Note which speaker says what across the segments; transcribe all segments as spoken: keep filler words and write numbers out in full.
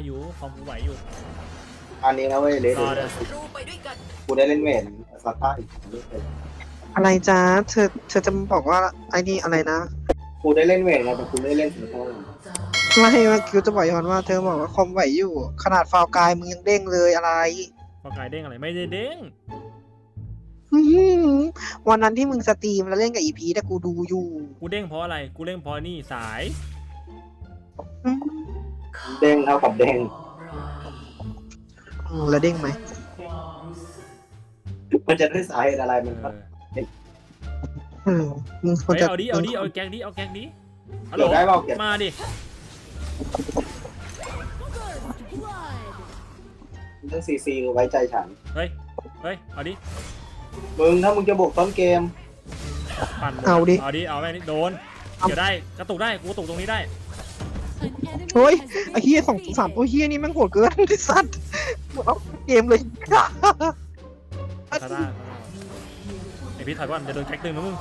Speaker 1: อยู่คอมกูไหวอยู่
Speaker 2: อันนี้นะเว้ยเลส
Speaker 1: รอเดี๋ยว
Speaker 2: กูได้เล่นเวทซาต้าอีกเรื่องเลย
Speaker 3: อะไรจ้าเธอเธอจะมาบอกว่าไอ้นี่อะไรนะ
Speaker 2: กูได้เล่นเวทไงแต่กูไม่ได้เล่นซาต้า
Speaker 3: ไม่เมื่อกี้จะบอกย้อนว่าเธอบอกว่าคอมไหวอยู่ ขนาดฟาวกายมึงยังเด้งเลยอะไร
Speaker 1: พอกายเด้งอะไรไม่ได้เด้ง
Speaker 3: อื้อหือวันนั้นที่มึงสตรีมแล้วเล่นกับอีพีแต่กูดูอยู่
Speaker 1: กูเด้งเพราะอะไรกูเด้งเพราะนี่สาย
Speaker 3: อืม
Speaker 2: เด้งเท่ากับเด้ง
Speaker 3: อืมแล้วเด้งไหม
Speaker 2: มันจะได้สาเหตุอะไรมัน
Speaker 1: เอ
Speaker 2: ก็
Speaker 1: อ
Speaker 3: เออมึงควร
Speaker 1: เฮ้ย
Speaker 3: จะ
Speaker 1: เอาดิเอาดิเอาแก๊กดิเอาแก๊กดิฮัลโหล
Speaker 2: เกิดได้เปล่าเก็บ
Speaker 1: มาดิ
Speaker 2: เรื่องซีซีไว้ใจฉัน
Speaker 1: เฮ้ยเฮ้ยเอาดิ
Speaker 2: มึงถ้ามึงจะบุกต้นเกม
Speaker 1: ปั่นหมด
Speaker 3: เอาดิ
Speaker 1: เอาดิเอาแม่นี่โดนเกี่ยวได้กระตุกได้กูกระตุกตรงนี้ได้
Speaker 3: เฮ้ยไอ้เฮียสองสามตัวเฮียนี่แม่งโหดเกินไอ้สัตว์หมดเอาเกมเลย
Speaker 1: ซาร่าไอพี่ถอยก่อนจะโดนแก๊กดึงนะมึง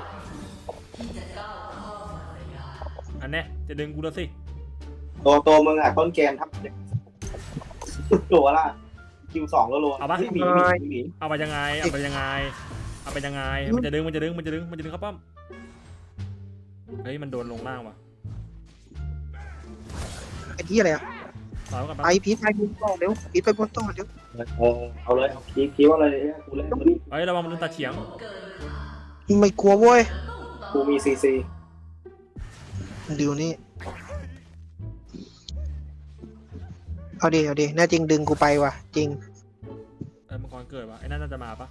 Speaker 1: อันเนี้ยจะดึงกูแล้วสิ
Speaker 2: ตัวตัวมึงอ่ะต้นเกมทับตัวละคิวสองแล้วลงหมีหมีหมี
Speaker 1: เอาไปยังไงเอาไปยังไงเอาไปยังไงมันจะดึงมันจะดึงมันจะดึงมันจะดึงเข้าป้อมเฮ้ยมันโดนลงล่างว่ะ
Speaker 3: ไอ้ที่อะไรอ่ะ
Speaker 1: ถอยก่อน
Speaker 3: ไอพีทไปบนต่อเร็วพีทไปบนต่อเร็ว
Speaker 2: เออเอาเลยเอาคีคิวอะไรเนี่ยกูเล่น
Speaker 1: เฮ้ยระวังมันโดนตัดเฉียง
Speaker 3: ไม่กลัวเว้ย
Speaker 2: กูมีซีซี
Speaker 3: ดูนี่เอาดิเอาดิแน่จริงดึงกูไปว่ะจริง
Speaker 1: เอ้ยมังกรเกิดวะไอ้นั่นน่าจะมาปะ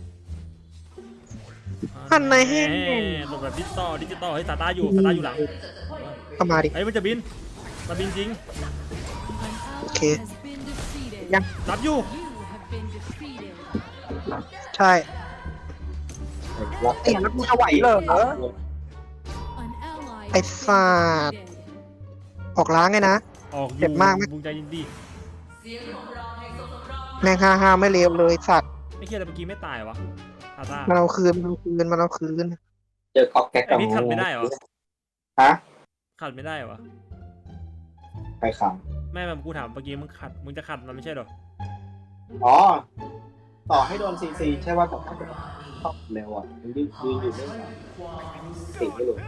Speaker 3: อันไหนแห้ง
Speaker 1: หลบแบบดิจิตอลดิจิตอลเฮ้ยตาตาอยู่ตาตาอยู่หลัง
Speaker 3: เข้ามาดิ
Speaker 1: เฮ้ยมันจะบินมันบินจริง
Speaker 3: โอเค ยัง
Speaker 1: รับอยู่
Speaker 3: ใช่เตียแล้วกูจะไหวเหรอไอ้ฟาดออกล้างไงนะ
Speaker 1: ออกอยู่
Speaker 3: เจ็บมากไหม
Speaker 1: บุงใจยินดี
Speaker 3: แม่งฮ่าฮ่าไม่เลวเลยสัตว์
Speaker 1: ไอ้เคียแต่เมื่อกี้ไม่ตายวะตาตา
Speaker 3: มันเอาคืนมันเอาคืนมันเอาคืน
Speaker 2: เจอก๊อกแก๊ก
Speaker 1: ไอ้
Speaker 2: กับ
Speaker 1: พี่ขัดไม่ได้เหรอ
Speaker 2: ฮะ
Speaker 1: ขัดไม่ได้เหรอ
Speaker 2: ใครขัง
Speaker 1: แม่แม่กูถามเมื่อกี้มึงขัดมึงจะขัดมันไม่ใช่เหรอ
Speaker 2: อ๋อต่อให้โดนซีซีใช่ว่าแต่ถ้าเป็นชอบเร็วอ่ะมันยืนยืนอยู่ไม่ได้ติดไม่หลุด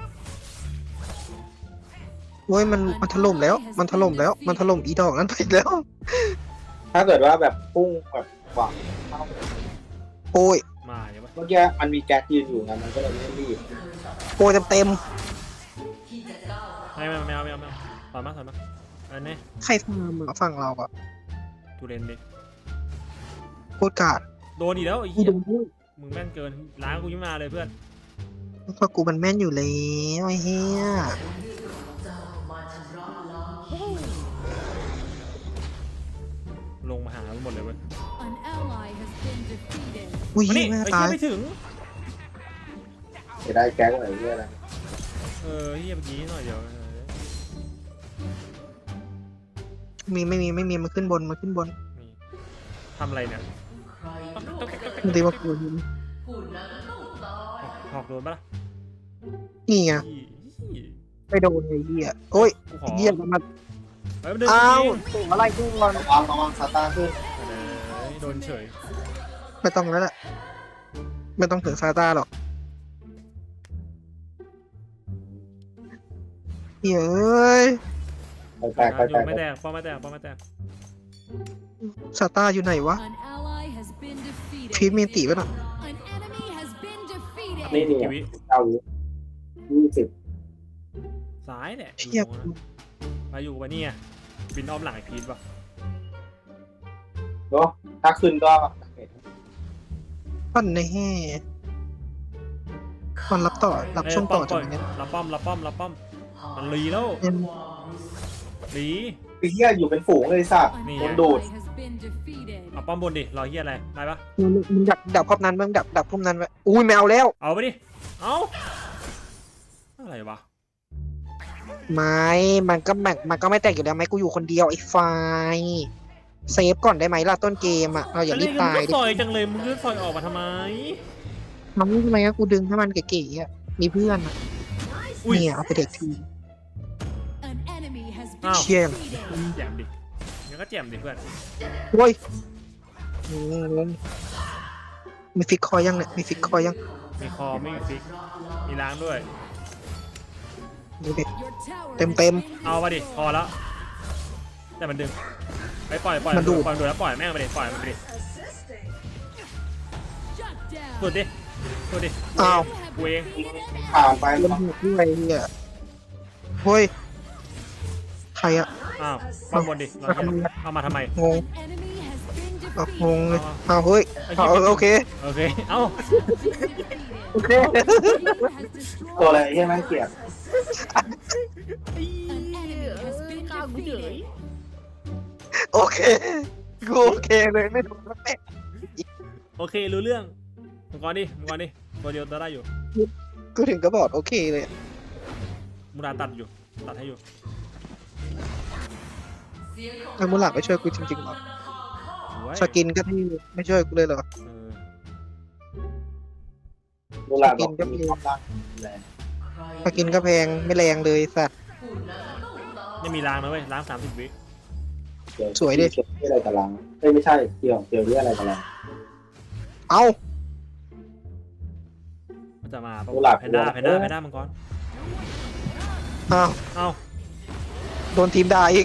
Speaker 3: โว้ยมันมันถล่มแล้ว มันถล่มแล้ว มันถล่มอีดอกนั้นไปแล้ว
Speaker 2: ถ้าเกิดว่าแบบพุ่งแบบหวังเข้า
Speaker 3: โอ้ย
Speaker 1: มาเดี๋ยวปะ
Speaker 2: เมื่อกี้มันมีแก๊สยืนอยู่ไงมันก็เลยไม่รีบ
Speaker 3: โอ้ยเต็มเต็ม
Speaker 1: ไม่ไม่ไม่เอาไม่เอาไม่เอาถอยมาถอยมาอันนี้
Speaker 3: ๆใครทำอะฝั่งเราอะ
Speaker 1: ตูเรนดิ
Speaker 3: โคตรกาด
Speaker 1: โดนอีกแล้วไอ้
Speaker 3: กู
Speaker 1: เหี้ย
Speaker 3: โดนด้วย
Speaker 1: มึงแม่นเกินล้างกูยังมาเลยเพื่อน
Speaker 3: เพราะกูมันแม่นอยู่แล้วไอ้เหี้ย
Speaker 1: ลงมาหาหมดเลยเว้ย
Speaker 3: อุ้ย
Speaker 1: มา
Speaker 3: เหี้
Speaker 1: นี่
Speaker 3: ยแม่
Speaker 1: ไอ้
Speaker 3: ตา
Speaker 1: เหี้ย
Speaker 3: ย
Speaker 1: ไม่ถึง
Speaker 2: จะได้แก๊สอะไรเงี้ยอะไร
Speaker 1: เออเหี้ยเมื่อกี้หน่อยเดียว
Speaker 3: มีไม่มีไม่มีมันขึ้นบนมันขึ้นบน
Speaker 1: นี่ทำอะไรเนี่ย
Speaker 3: มันตีว่ากู
Speaker 1: หอกโดนปะล่ะ
Speaker 3: นี่ไง
Speaker 1: อี้
Speaker 3: ไปโดนไอ้เหี้ยโอ้ย
Speaker 1: กูขอ
Speaker 3: เหี้ยมันมา
Speaker 1: เฮ้ยมันเดิน
Speaker 3: อ้าว
Speaker 1: จริง
Speaker 3: ตัวอะไรกูก่อน
Speaker 2: ระวังระวังซาตาขึ้น
Speaker 1: เออโดนเฉย
Speaker 3: ไม่ต้องแล้วแหละไม่ต้องถึงซาตาหรอกเฮ้ยเอ้ย
Speaker 2: ไปแตกไป
Speaker 1: อ
Speaker 2: แต
Speaker 1: ยู่
Speaker 2: ก
Speaker 1: ไม่แตกป้อมไม่แตกป้อมไม่แตก
Speaker 3: ซาตาอยู่ไหนวะพีทมีตีป่ะน่ะ
Speaker 2: นี่นี่
Speaker 1: กีวิ
Speaker 2: เก้าวิยี่สิบ
Speaker 1: ซ้ายเนี่ย
Speaker 3: เชี่ย
Speaker 1: มาอยู่ไปนี่ไงบินอ้อมหลังไอ้พีทป่ะ
Speaker 2: เนาะถ้าขึ้นก็
Speaker 3: ปั้นในแห่มันรับต่อรับช่วงต่อจากนี้
Speaker 1: รับป้อมรับป้อมรับป้อมมันรีแล้ว
Speaker 3: เนี่ย
Speaker 1: รี
Speaker 2: ไอ้เหี้ยอยู่เป็นฝูงเลยสัตว์
Speaker 1: นี่
Speaker 2: โดนดูด
Speaker 1: เอาป้อมบนดิรอเฮียอะไรได้ปะ
Speaker 3: มึงมึงดักดักพวกนั้นมึงดักดักพวกนั้นไว้อุ้ยไม่เอาแล้ว
Speaker 1: เอาไปดิเอาอะไรวะ
Speaker 3: ไม่มันก็แม็กมันก็ไม่แตกอยู่แล้วไหมกูอยู่คนเดียวไอ้ไฟเซฟก่อนได้ไหมล่ะต้นเกมอ่ะเราอย่ารีบตาย
Speaker 1: มึง
Speaker 3: ดิ
Speaker 1: ก็ซอยจังเลยมึงก็ซอยออกมาทำไม
Speaker 3: ทำทำไมก็กูดึงให้มันเก๋ๆอ่ะมีเพื่อนอ่ะ
Speaker 1: อุ้ย
Speaker 3: เนี่ยเอาไปเด็กที
Speaker 1: อ้าว
Speaker 3: เชี่ย
Speaker 1: แยมดิก็แจ่มดิเพื่อน
Speaker 3: โว้ยงงมีฟิกคอยังเนี่ยมีฟิกคอยัง
Speaker 1: มีคอไม่มีฟิกมีล้างด้วย
Speaker 3: ดูดิเต็มเต็ม
Speaker 1: เอาไปดิพอแล้วแต่มันดึงไปปล่อยปล่อย
Speaker 3: มันดูด
Speaker 1: ปล่อยดูแล้วปล่อยแม่งไปดิปล่อยมันไปดิสุดดิสุดดิ
Speaker 3: อ้าว
Speaker 1: กูเอง
Speaker 2: ผ่านไป
Speaker 3: เล่นหัวด้วยเนี่ยเฮ้ยใครอะ
Speaker 1: อ้าววางบนดิเราทำเอามาทำไม
Speaker 3: งงเอางงเลยเอาเฮ้ยเอาเออโอเค
Speaker 1: โอเคเอ้า
Speaker 3: โอเค
Speaker 2: ตัวอะไรที่แม่งเกลียด
Speaker 3: โอเคกูโอเคเลยไม่ถูกแล้วแม่
Speaker 1: โอเครู้เรื่องมังกรดิมังกรดิตัวเดียวตัวได้อยู่
Speaker 3: กูถึงก็บอกโอเคเลย
Speaker 1: มูราตัดอยู่ตัดให้อยู่
Speaker 3: ไอ้มูหลักไม่ช่วยกูจริงๆหรอ
Speaker 1: สวย
Speaker 3: สกินก็ที่ไม่ช่วยกูเลยเหรอ
Speaker 1: เออ
Speaker 2: เวลาบอกมีความรักแรง
Speaker 3: สกินก็แพงไม่แรงเลยสัตว์
Speaker 1: ยังมีล้างนะเว้ยล้างสามสิบวิ
Speaker 2: เดี๋ยว
Speaker 3: สวยดิ
Speaker 2: เกี่ยวที่อะไรกับลังเอ้ยไม่ใช่เกี่ยวเกี่ยวที่อะไรกับลัง
Speaker 3: เอ้า
Speaker 1: มันจะมาปะ
Speaker 2: กุหลาบ
Speaker 1: แพนด้า
Speaker 2: กุหลาบ
Speaker 1: แพนด้าแพนด้ามังกร
Speaker 3: อ้าว
Speaker 1: เอ้า
Speaker 3: โดนทีมด่าอีก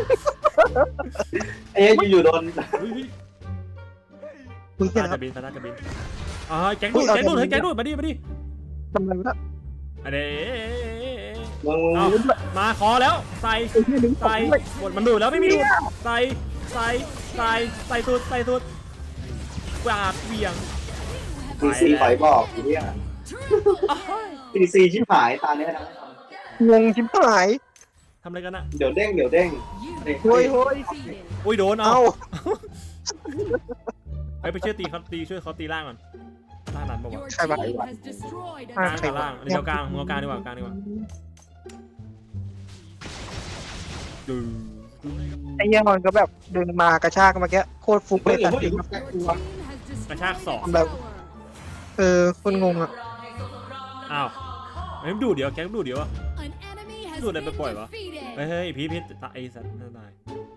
Speaker 2: เอ้ยอยู่ๆโดน
Speaker 1: อุ้ยอุ้ย
Speaker 3: มึง
Speaker 1: แพ
Speaker 3: เห็
Speaker 1: น
Speaker 3: น
Speaker 1: ด้า
Speaker 3: ครั
Speaker 1: จะ
Speaker 3: บ
Speaker 1: บินแพนด้าจะบินอ๋อแก๊งดูดแก๊งดูดเฮ้ยแก๊งดูดมาดิมาดิ
Speaker 3: ทำไมวะ
Speaker 1: อันเด้
Speaker 2: มึงมึง
Speaker 1: เอามาขอแล้วใส่ใส่หมดมันดูดแล้วไม่มีดูดใส่ใส่ใส่ใส่สุดใส่สุดกวาดเบี่ยง
Speaker 2: ซีซีขอยบอกไอ้เนี่ยซีซีชิบหายตาเนี้ยนะ
Speaker 3: งงชิบหาย
Speaker 1: ทำอะไรกันอะ
Speaker 2: เดี๋ยวเด้งเดี๋ยวเด้งเด้ง
Speaker 3: โว้ยโว้ย
Speaker 1: อุ้ยโดนเอา
Speaker 3: เอ้า
Speaker 1: ไปไปช่วยตีเขาตีช่วยเขาตีล่างก่อนล่างนั้นบอกว่า
Speaker 3: ใครวะ
Speaker 1: กลางกับล่างเดี๋ยวกลางมึงเอากลางดีกว่ากลางดีกว่าดู
Speaker 3: ไอ้เหี้ยมันก็แบบดึงมากระชากเมื่อกี้โคตรฟุกเล
Speaker 2: เฮ้ย
Speaker 3: ยสัตว์
Speaker 2: เฮ้ยแกกลัว
Speaker 1: กระชากสอง
Speaker 3: แบบเออคนงงอ่ะ
Speaker 1: อ้าวเฮ้ยดูเดี๋ยวแก๊งดูเดี๋ยวอะ
Speaker 4: ดูอะไรไปปล่อยวะ
Speaker 1: เฮ้ยเฮ้ยพีพีตายไอ้สัตว์น่าตาย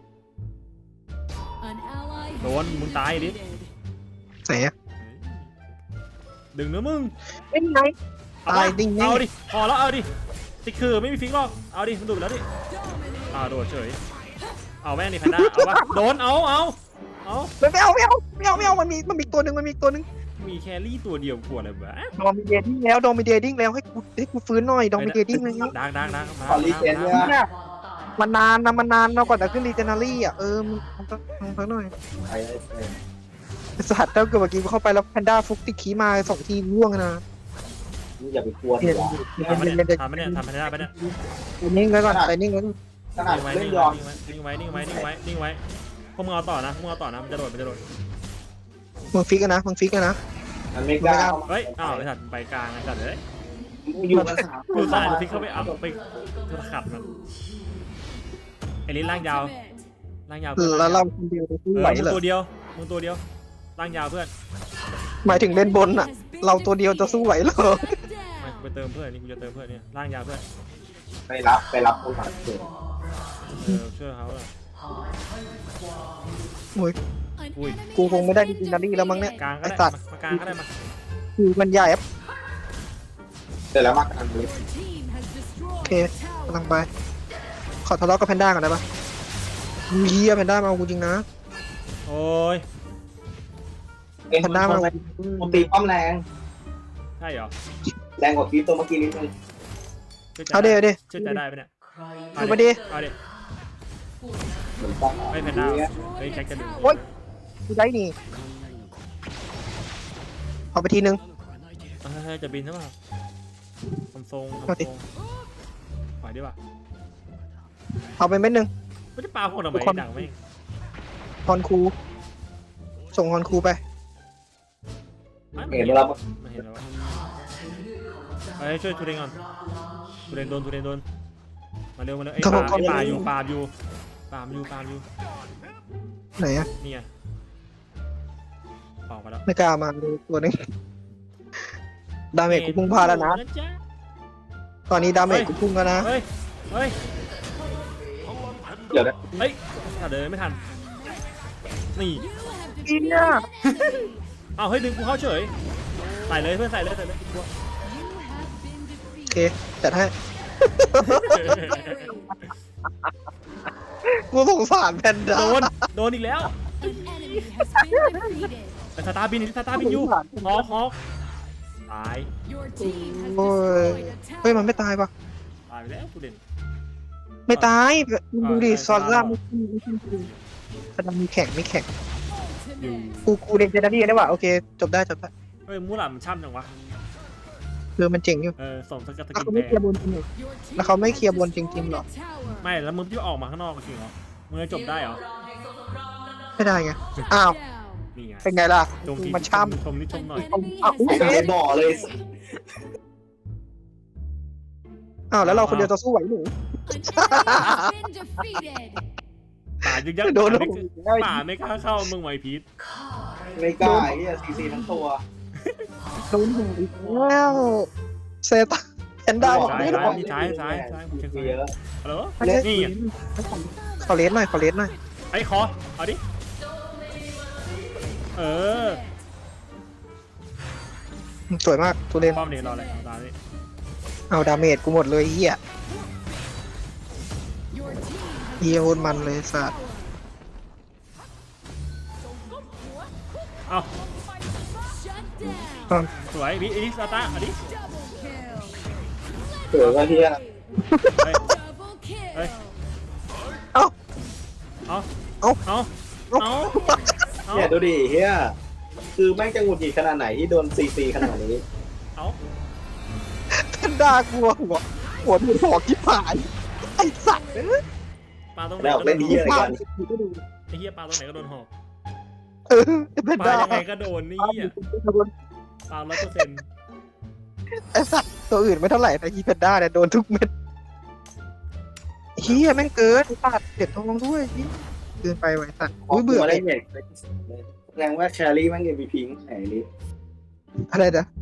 Speaker 4: โดนมึงตายดิ
Speaker 3: ไหนอะ
Speaker 1: ดึงนะมึง
Speaker 3: เป็นไง
Speaker 1: เอา
Speaker 3: ตายดิ้งแน่
Speaker 1: เอาดิพอแล้วเอาดิติคือไม่มีฟิกหรอกเอาดิมันดูดแล้วดิอ้าวโดดเฉยเอาแม่งดิแพนด้าเอาวะโดนเอาเอาเอา
Speaker 3: ไม่เอาไม่เอาไม่เอาไม่เอามันมีมันมีตัวหนึ่งมันมีตัวหนึ่ง
Speaker 1: มีแครี่ตัวเดียวกลัวอะไรวะ
Speaker 3: ดอมมีเดดิ้งแล้วดอมมีเดดิ้งแล้วให้กูให้กูฟื้นหน่อยดอมมีเดดิ้งเลย
Speaker 1: ดังดังดังมา
Speaker 2: ขอรีเจนด้วยนะ
Speaker 3: เนี่ยมันนานนะมันนานเราก่อนจะขึ้นรีเจนารี่อ่ะเออมันก็มันก็หน่อย
Speaker 2: ไอ้ไอ้
Speaker 3: สัตว์ถ้าเกิดเมื่อกี้เข้าไปแล้วแพนด้าฟุกติดขี้มาสองทีร่วงนะ
Speaker 2: มึงอย่าไปกลัวดีกว่า
Speaker 1: ทำมาเนี่ยทำมาเนี่ยทำมาได้ปะเนี่ย
Speaker 3: ไปนิ่งไว้ก่อนไปนิ่งไว้
Speaker 2: ขนาด
Speaker 1: นิ่งไว้
Speaker 2: เล่
Speaker 1: นิ่
Speaker 2: น
Speaker 1: ง
Speaker 2: ยอม
Speaker 1: ไว้นิ่งไว้นิ่งไว้นิ่งไว้นิ่งไว้พวกมึงเอาต่อนะพวกมึงเอาต่อนะมันจะโดดมันจะโดด
Speaker 3: มึงฟิกกันนะมึงฟิกกันนะ
Speaker 2: มันไม่กล้า
Speaker 1: เฮ้ยอ้าวไอ้สัตว์ไปกลางไอ้สัตว์เฮ้ย
Speaker 2: อยู่กันสาม
Speaker 1: กูสายฟิกเข้าไปเอาไปขัดมันไอ้ลิ้นล่างยาวล่างยาว
Speaker 3: แล้วเราคนเดียวจะสู้
Speaker 1: เออ
Speaker 3: ไหว
Speaker 1: มึง
Speaker 3: เหรอ
Speaker 1: ตัวเดียวมึงตัวเดียวล่างยาวเพื่อน
Speaker 3: หมายถึงเล่นบนอ่ะ เราตัวเดียวจะสู้ไหวเหรอ
Speaker 1: มากูไปเติมเพื่อนนี่กูจะเติมเพื่อนเนี่ยล่างยาวเพื่อน
Speaker 2: ไปรับไปรับคนผ่านเกิด
Speaker 1: เออช่วยเขาเลย
Speaker 3: โอ้ย
Speaker 1: อุ้ย
Speaker 3: กูคงไม่ได้ดิจินารี่แล้วมั้งเนี่ย
Speaker 1: กลางก็
Speaker 3: ไอ้
Speaker 1: ได้
Speaker 3: สัตว์
Speaker 1: มากลางก็ได้มา
Speaker 3: คือมันใหญ่อะ
Speaker 2: เสร็จแล้วมากอันนี้
Speaker 3: โอเคกำลังไป ขอทะเลาะกับแพนด้าก่อนได้ปะเฮียแพนด้ามาเอากูจริงนะ
Speaker 1: โอ้ย
Speaker 2: เอ็น
Speaker 3: แพนด้ามาเอา
Speaker 2: กูตีป้อมแรง
Speaker 1: ใช่เหรอ
Speaker 2: แรงกว่าคลิปตัวเมื่อกี้นิดนึง
Speaker 1: ชื่อใจ
Speaker 3: เอาเดี๋ยวเดี๋ยว
Speaker 1: ชื่อใจได้ปะเนี่ย
Speaker 3: เอามาดิ
Speaker 1: เอาดิ
Speaker 2: เหมือนป้อม
Speaker 1: ไม่แพนด้าเฮ้ยแจ็คจะดึง
Speaker 3: โอ๊ยกูได้นี่เอาไปทีนึง
Speaker 1: เฮ้ยจะบินใช่ป่ะทำทรงทำ
Speaker 3: เอาดิ
Speaker 1: ทรงปล่อยดีป่ะ
Speaker 3: เอาไปเม็ดนึง
Speaker 1: ไม่จะปาพวกทำไม
Speaker 3: ทุกคน
Speaker 1: ดังไม่
Speaker 3: ฮอนคูส่งฮอนคูไป
Speaker 2: เห็นเรา
Speaker 1: ไม่เห็นแล้ววะไปช่วยทูเรนก่อนทูเรนโดนทูเรนโดนมาเร็วมาเร็วไอ้ปาไอ้ปาอยู่ปาอยู่ปามอยู่ปามอยู่
Speaker 3: ไหนอะ
Speaker 1: นี่ไงออกมาแล้ว
Speaker 3: ไม่กล้ามาดูตัวนี้ดาเมจกูพุ่งพลาดแล้วนะ
Speaker 1: จ๊
Speaker 3: ตอนนี้ดาเมจกูพุ่งแล้วนะ
Speaker 1: เฮ้ยเฮ้ย
Speaker 2: เดี๋ยวนะ
Speaker 1: เฮ้ยถ้าเดินไม่ทันนี่
Speaker 3: อีเนี่ย
Speaker 1: เอาเฮ้ยดึงกูเข้าเฉยใส่เลยเพื่อนใส่เลยใส่เลยกลัว
Speaker 3: โอเคจัดให้กูสงสารแพนด้า
Speaker 1: โดนโดนอีกแล้วแต่สตาร์บินสตาร์บินอยู่ฮอกฮอกตาย
Speaker 3: โอ้ยเฮ้ยมันไม่ตายปะ
Speaker 1: ตายไปแล้วกูเด่น
Speaker 3: ไม่ตายดูดิ
Speaker 1: อ่า
Speaker 3: ซอนล่า
Speaker 1: ใช่
Speaker 3: ไม่ขึ้นไม่ขึ้นกระดังมีแข่งไม่แข่ง
Speaker 1: อยู่
Speaker 3: กูกูเด็กเจนนี่ได้ว่ะโอเคจบได้จบได้
Speaker 1: เฮ้ยมูหลามันช่ำจังวะ
Speaker 3: คือมันเจ๋งอยู่
Speaker 1: เออส่งสกัดส
Speaker 3: แล้ว
Speaker 1: กิน
Speaker 3: เขาไม่
Speaker 1: แพ
Speaker 3: เคลียร์บนจริงเหรอแล้วเขาไม่เคลียร์บนจริงๆหรอ
Speaker 1: ไม่แล้วมึงที่ออกมาข้างนอกจริงเหรอมึงจะจบได้เหรอ
Speaker 3: ไม่ได้ไงอ้าว
Speaker 1: นี่ไง
Speaker 3: เป็นไงล่ะ
Speaker 1: ชมที
Speaker 3: มันช่ำ
Speaker 1: ชมนิดชมหน่อย
Speaker 3: อ้าวอุ๊ย
Speaker 2: ไอ้บ่อเลย
Speaker 3: อ้าวแล้วเราคนเดียวจะสู้ไหวหนู
Speaker 1: ป่ายึกยัก
Speaker 3: โดน
Speaker 1: ป่าไม่ป่าไม่กล้าเข้ามึงไหวพีท
Speaker 2: ไม่กล้าไอ้เหี้ยซีซีทั้งตัว
Speaker 3: โดนหนูอีกแล้วเซตาแพนด้าบอก
Speaker 1: ซ้าย
Speaker 3: ไม่
Speaker 1: ซ้า
Speaker 3: ได้
Speaker 1: ยมีซ้ายซ้ายซ้ายกูเช็คซ้าย
Speaker 2: เยอะ
Speaker 1: ฮัลโหล
Speaker 3: เล่น
Speaker 1: นี่อ่ะ
Speaker 3: ขอเลสหน่อยขอเลสหน่อย
Speaker 1: ไอ้คอเอาดิเออ
Speaker 3: สวยมากตูเรน
Speaker 1: ป้อมเนี่ยรออะไรเอาตาดิ
Speaker 3: เอาดาเมจกูหมดเลยเฮียเฮียโคตรมันเลยสัตว์
Speaker 1: เอา
Speaker 3: อ้าว
Speaker 1: สวยวิอิสตาเอาดิ
Speaker 2: เกิดว่าเฮีย
Speaker 1: เฮ้ยเฮ้ย
Speaker 3: เอ้า
Speaker 1: เอา
Speaker 3: เอ้า
Speaker 1: เอา
Speaker 3: เอ้า
Speaker 1: เอาเอา
Speaker 2: เนี่ยดูดิเฮียคือแม่งจะหงุดหงิดขนาดไหนที่โดนซีซีขนาดนี้
Speaker 1: เอา
Speaker 3: แพนด้ากลัวหัวหัวหนูหอกที่ผายไอสัตว์เอ้ย
Speaker 1: ปลาตรงไหน
Speaker 2: แล้ว
Speaker 1: ก็โด
Speaker 2: เล่น
Speaker 1: น
Speaker 2: ดี
Speaker 1: ห
Speaker 2: อะไร
Speaker 1: อก
Speaker 2: กัน
Speaker 1: ไอ้เหี้ยปลาตรงไหนก็โดนหอก
Speaker 3: เออแพน
Speaker 1: ปลา
Speaker 3: ด้า
Speaker 1: ยังไงก็โดนนี่อ่ะปลาร้อยเปอร์เซ็นต์
Speaker 3: ไอสัตว์ตัวอื่นไม่เท่าไหร่แต่อีแพนด้าเนี่ยโดนทุกเม็ดเฮียแม่งเกินตัดเด็ดทองด้วยเหี้ยเกินไปไว้สัตว์อุ้ยเบื่อ
Speaker 2: ได้
Speaker 3: เลย
Speaker 2: เด็กแสดงว่าแครี่แม่งเอ็มวีพีไหนนี่
Speaker 3: อะไรนะ